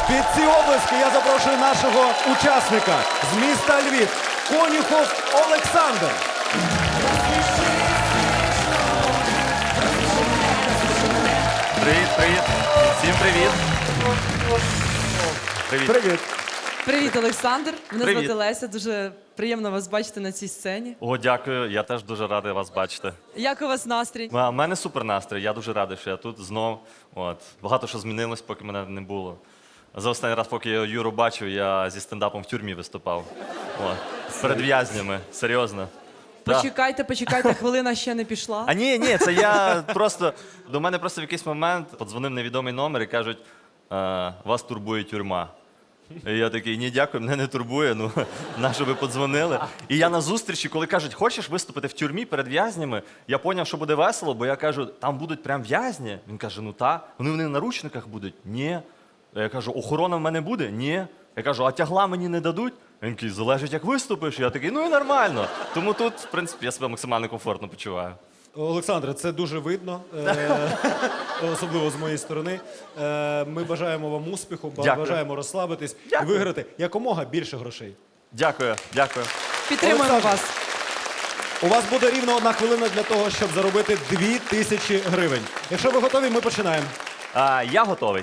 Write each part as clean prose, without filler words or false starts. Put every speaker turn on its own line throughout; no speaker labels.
Під ці облески я запрошую нашого учасника з міста Львів Конюхов Олександр.
Привіт, привіт. Всім привіт. Привіт.
Привіт.
Привіт, Олександр. Мене
Привіт.
звати Леся. Дуже приємно вас бачити на цій сцені.
О, дякую. Я теж дуже радий вас бачити.
Як у вас настрій?
У мене супер настрій. Я дуже радий, що я тут знов. От. Багато що змінилось, поки мене не було. За останній раз, поки я Юру бачив, я зі стендапом в тюрмі виступав. От. Перед в'язнями. Серйозно. Да.
Почекайте, хвилина ще не пішла.
А ні, це я просто. До мене просто в якийсь момент подзвонив невідомий номер і кажуть, вас турбує тюрма. І я такий, ні, дякую, мене не турбує, ну, на що ви подзвонили. І я на зустрічі, коли кажуть, хочеш виступити в тюрмі перед в'язнями, я зрозумів, що буде весело, бо я кажу, там будуть прям в'язні. Він каже, ну та. Вони в наручниках будуть? Ні. Я кажу, охорона в мене буде? Ні. Я кажу, а тягла мені не дадуть? Він такий, залежить, як виступиш. Я такий, ну і нормально. Тому тут, в принципі, я себе максимально комфортно почуваю.
Олександре, це дуже видно, особливо з моєї сторони. Ми бажаємо вам успіху,
Дякую.
бажаємо розслабитись
Дякую.
і виграти якомога більше грошей.
Дякую, дякую.
Підтримуємо
Олександр.
вас.
У вас буде рівно 1 хвилина для того, щоб заробити 2000 гривень. Якщо ви готові, ми починаємо.
Я готовий.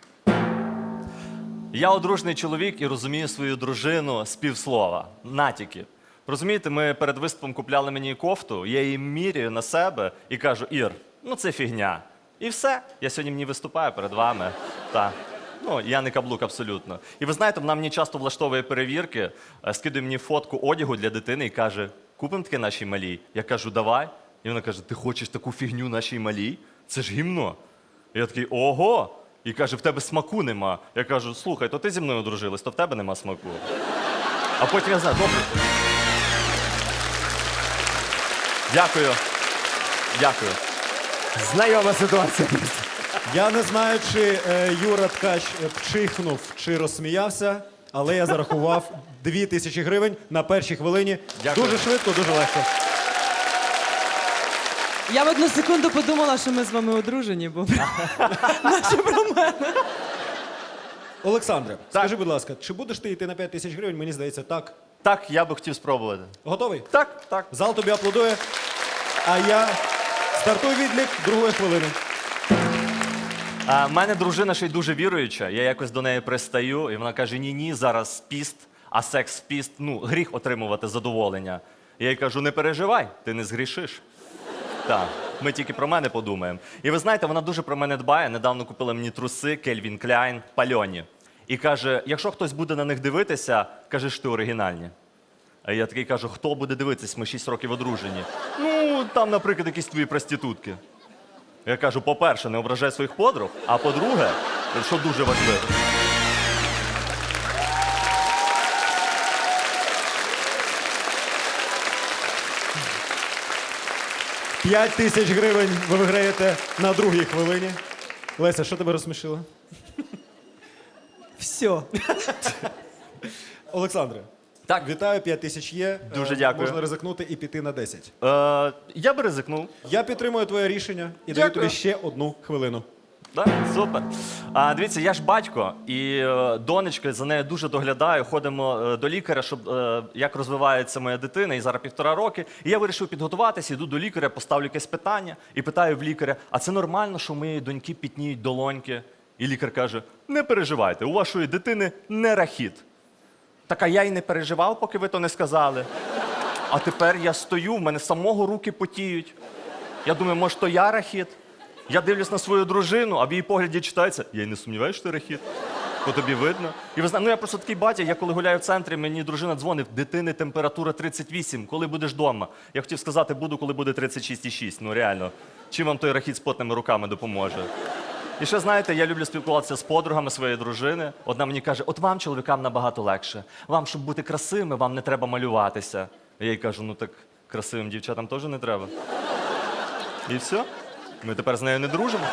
Я одружений чоловік і розумію свою дружину з півслова. Натяки. Розумієте, ми перед виступом купляли мені кофту, я її міряю на себе і кажу, Ір, ну це фігня. І все, я сьогодні в ній виступаю перед вами. Так. Ну, я не каблук абсолютно. І ви знаєте, вона мені часто влаштовує перевірки, скидує мені фотку одягу для дитини і каже, купимо таке нашій малій? Я кажу, давай. І вона каже, ти хочеш таку фігню нашій малій? Це ж гімно. І я такий, ого! І каже, в тебе смаку нема. Я кажу, слухай, то ти зі мною одружилась, то в тебе нема смаку. А потім я знаю, добре. Дякую. Дякую.
Знайома ситуація.
Я не знаю, чи Юра Ткач пчихнув, чи розсміявся, але я зарахував 2000 гривень на першій хвилині.
Дякую.
Дуже швидко, дуже легко.
Я в одну секунду подумала, що ми з вами одружені, бо наші про мене.
Олександре, скажи, будь ласка, чи будеш ти йти на 5000 гривень? Мені здається, так.
Так, я би хотів спробувати.
Готовий?
Так, так.
Зал тобі аплодує. А я стартую відлік другої хвилини.
В мене дружина ще й дуже віруюча. Я якось до неї пристаю, і вона каже: ні, зараз піст, а секс в піст, ну, гріх отримувати задоволення. Я їй кажу, не переживай, ти не згрішиш. Так, ми тільки про мене подумаємо. І ви знаєте, вона дуже про мене дбає. Недавно купила мені труси Calvin Klein, пальоні. І каже, якщо хтось буде на них дивитися, каже, що ти оригінальні. А я такий кажу, хто буде дивитись, ми 6 років одружені. Ну, там, наприклад, якісь твої проститутки. Я кажу, по-перше, не ображай своїх подруг, а по-друге, що дуже важливо.
П'ять тисяч гривень ви виграєте на другій хвилині. Леся, що тебе розсмішило?
Все.
Олександре,
Так.
вітаю, 5000 є.
Дуже дякую.
Можна ризикнути і піти на 10.
Я би ризикнув.
Я підтримую твоє рішення і даю
Дякую.
тобі ще 1 хвилину.
Да? Супер. Дивіться, я ж батько, і донечка за нею дуже доглядаю. Ходимо до лікаря, щоб як розвивається моя дитина, і зараз 1,5 роки. І я вирішив підготуватися, йду до лікаря, поставлю якесь питання і питаю в лікаря: а це нормально, що у моєї доньки пітніють долоньки? І лікар каже: не переживайте, у вашої дитини не рахіт. Так, а я й не переживав, поки ви то не сказали. А тепер я стою, в мене самого руки потіють. Я думаю, може, то я рахіт? Я дивлюсь на свою дружину, а в її погляді читається: я й не сумніваюся, що ти рахіт. По тобі видно. І ви знаєте, ну я просто такий батя, я коли гуляю в центрі, мені дружина дзвонить: дитини температура 38, коли будеш вдома? Я хотів сказати, буду, коли буде 36,6. Ну реально, чим вам той рахіт з потними руками допоможе? І ще, знаєте, я люблю спілкуватися з подругами своєї дружини. Одна мені каже: от вам, чоловікам, набагато легше. Вам, щоб бути красивими, вам не треба малюватися. Я їй кажу: ну так красивим дівчатам теж не треба. І все. Ми тепер з нею не дружимо.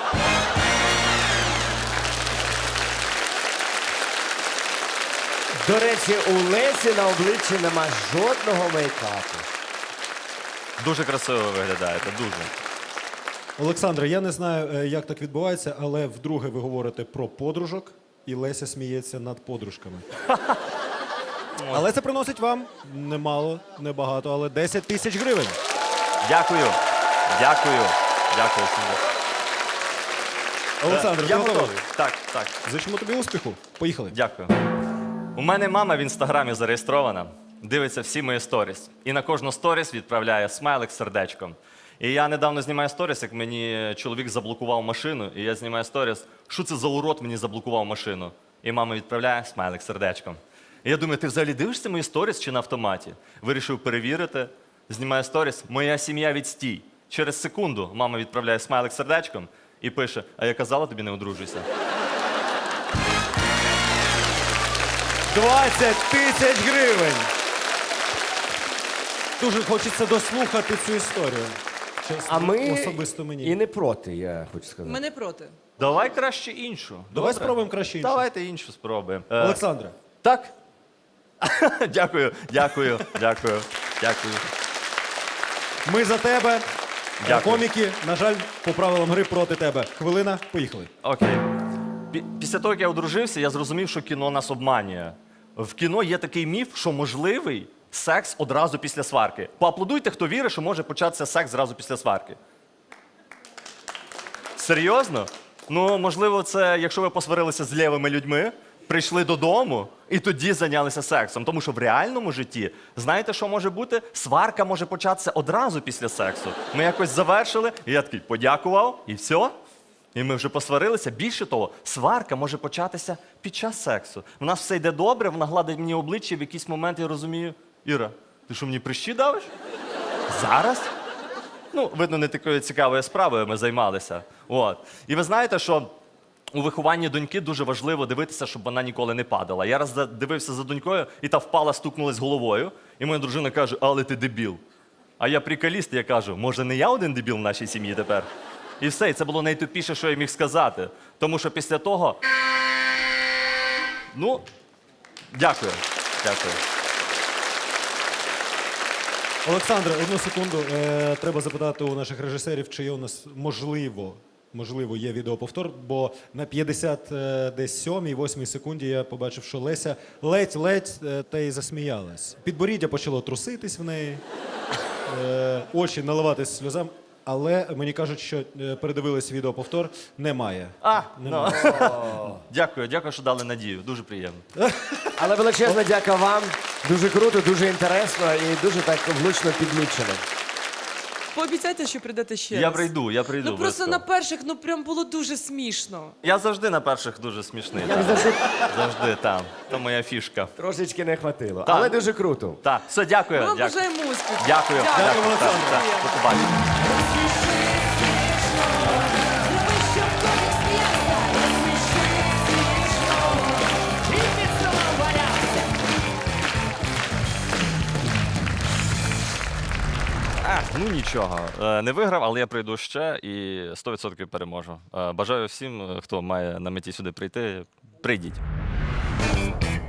До речі, у Лесі на обличчі нема жодного мейкапу.
Дуже красиво ви виглядаєте, дуже.
Олександре, я не знаю, як так відбувається, але вдруге ви говорите про подружок. і Леся сміється над подружками. Але це приносить вам немало, небагато, але 10 тисяч гривень.
Дякую. Дякую. Дякую. Сергій.
Олександр, ти
Я
готовий?
готовий. Так, так.
Зичимо тобі успіху. Поїхали.
Дякую. У мене мама в інстаграмі зареєстрована, дивиться всі мої сторіс. І на кожну сторіс відправляє смайлик з сердечком. І я недавно знімаю сторіс, як мені чоловік заблокував машину, і я знімаю сторіс, що це за урод мені заблокував машину. І мама відправляє смайлик з сердечком. І я думаю, ти взагалі дивишся мої сторіс чи на автоматі? Вирішив перевірити, знімаю сторіс, моя сім'я відстій. Через секунду мама відправляє смайлик з сердечком і пише, а я казала тобі не одружуйся.
20 тисяч гривень. Дуже хочеться дослухати цю історію. Чесно,
А ми
особисто мені.
і не проти, я хочу сказати.
Ми не проти.
Давай краще іншу.
Давай
Добре?
спробуємо краще іншу.
Давайте іншу спробуємо.
Олександре,
Так? Дякую, дякую, дякую, дякую.
ми за тебе.
Дякую.
Коміки, на жаль, по правилам гри проти тебе. Хвилина, поїхали.
Окей. Після того, як я одружився, я зрозумів, що кіно нас обманює. В кіно є такий міф, що можливий секс одразу після сварки. Поаплодуйте, хто вірить, що може початися секс зразу після сварки. Серйозно? Ну, можливо, це якщо ви посварилися з лівими людьми, прийшли додому і тоді зайнялися сексом. Тому що в реальному житті, знаєте, що може бути? Сварка може початися одразу після сексу. Ми якось завершили, і я такий подякував, і все. І ми вже посварилися. Більше того, сварка може початися під час сексу. В нас все йде добре, вона гладить мені обличчя, і в якийсь момент я розумію, Іра, ти що, мені прищі давиш? Зараз? Ну, видно, не такою цікавою справою ми займалися. От. І ви знаєте, що у вихованні доньки дуже важливо дивитися, щоб вона ніколи не падала. Я раз дивився за донькою, і та впала, стукнулась головою, і моя дружина каже, але ти дебіл. А я приколіст, я кажу, може не я один дебіл в нашій сім'ї тепер? І все, і це було найтупіше, що я міг сказати. Тому що після того, ну, дякую, дякую.
Олександре, одну секунду. Треба запитати у наших режисерів, чи є у нас можливо, є відеоповтор, бо на 57-й, 8-й секунді я побачив, що Леся ледь-ледь та й засміялась. Підборіддя почало труситись в неї, очі наливатись сльозам, але мені кажуть, що передивились відеоповтор, немає.
Ну. Дякую, дякую, що дали надію. Дуже приємно.
Але величезна дяка вам. Дуже круто, дуже інтересно і дуже так влучно підмічено.
Пообіцяйте, що прийдете ще раз.
Я прийду.
Ну просто
обов'язково.
на перших, ну прям було дуже смішно.
Я завжди на перших дуже смішний.
Як
так.
завжди,
Завжди там. То моя фішка.
трошечки не хватило.
Так.
Але дуже круто.
Так, все, дякую.
Ми вам
дякую.
бажаємо успіху.
Дякую.
Дякую,
Олександр.
Так, так. До побачення. Ну нічого, не виграв, але я прийду ще і 100% переможу. Бажаю всім, хто має на меті сюди прийти, прийдіть.